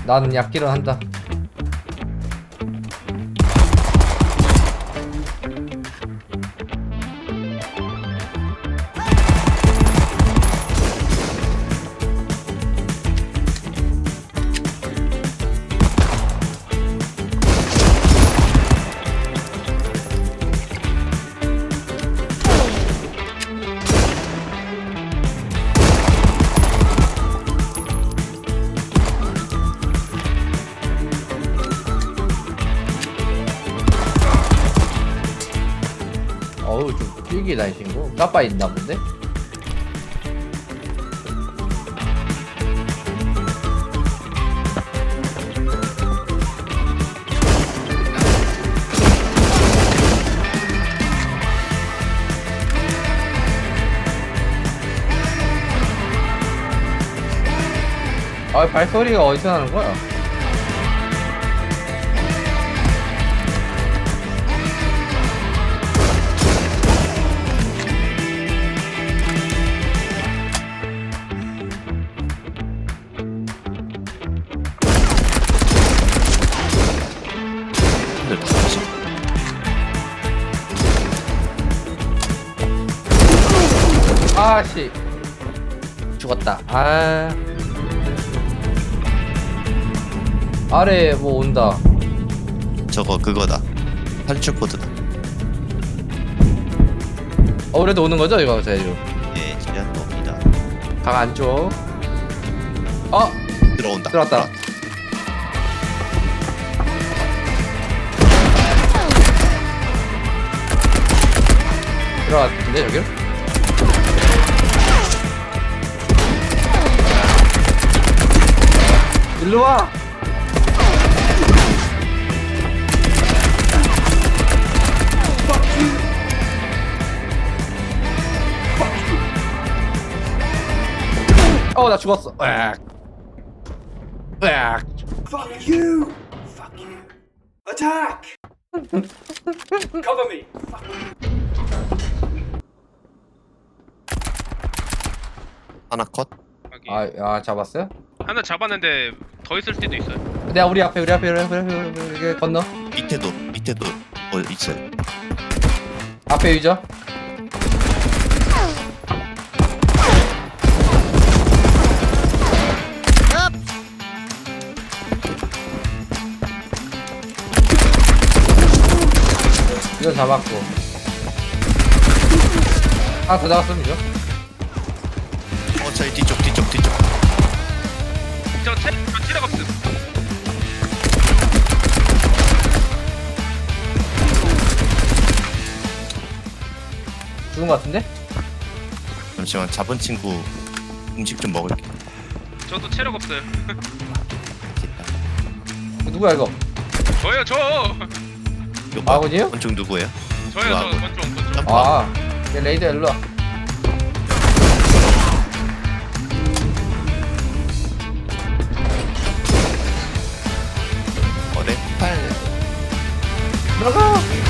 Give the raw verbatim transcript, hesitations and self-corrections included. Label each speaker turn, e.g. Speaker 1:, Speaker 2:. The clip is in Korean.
Speaker 1: 나는 약기를 한다. 어우 좀 길게 다니신 거 까빠 있나 본데? 아 발소리가 어디서 나는 거야? 아씨 죽었다. 아 아래 뭐 온다.
Speaker 2: 저거 그거다. 탈출 코드다.
Speaker 1: 어 그래도 오는 거죠 이거 제주.
Speaker 2: 예, 지난 겁니다.
Speaker 1: 강 안쪽. 어
Speaker 2: 들어온다.
Speaker 1: 들어왔다. 들어왔는데 여기로? 일로 와. 어, 나 죽었어. 으악. 으악.
Speaker 3: Fuck you! Fuck you! Attack! Cover me!
Speaker 2: 하나 컷.
Speaker 4: 확인.
Speaker 1: 아, 아 잡았어요?
Speaker 4: 하나 잡았는데 더 있을 수도 있어요.
Speaker 1: 내가 우리 앞에 우리 앞에 우리 앞에 우리 앞에 우리 앞에 건너.
Speaker 2: 밑에도 밑에도 어 있어요.
Speaker 1: 앞에 유저. 이거 잡았고. 하나 더 잡았으면 이죠?
Speaker 2: 어 저희 뒤쪽 뒤쪽 뒤쪽.
Speaker 4: 저 체, 저 체력 없음.
Speaker 1: 죽은 거 같은데?
Speaker 2: 잠시만 잡은 친구 음식 좀 먹을게.
Speaker 4: 저도 체력 없어요.
Speaker 2: 됐다.
Speaker 1: 누구야 이거?
Speaker 4: 저요, 저.
Speaker 2: 이거 봐.
Speaker 1: 아군이요?
Speaker 2: 권총 누구예요?
Speaker 4: 저요,
Speaker 2: 이거
Speaker 4: 저.
Speaker 2: 아군.
Speaker 4: 권총, 권총.
Speaker 2: 점프.
Speaker 1: 아, 얘 레이더 일로 와.
Speaker 2: 어 렉팔.
Speaker 1: 들어가.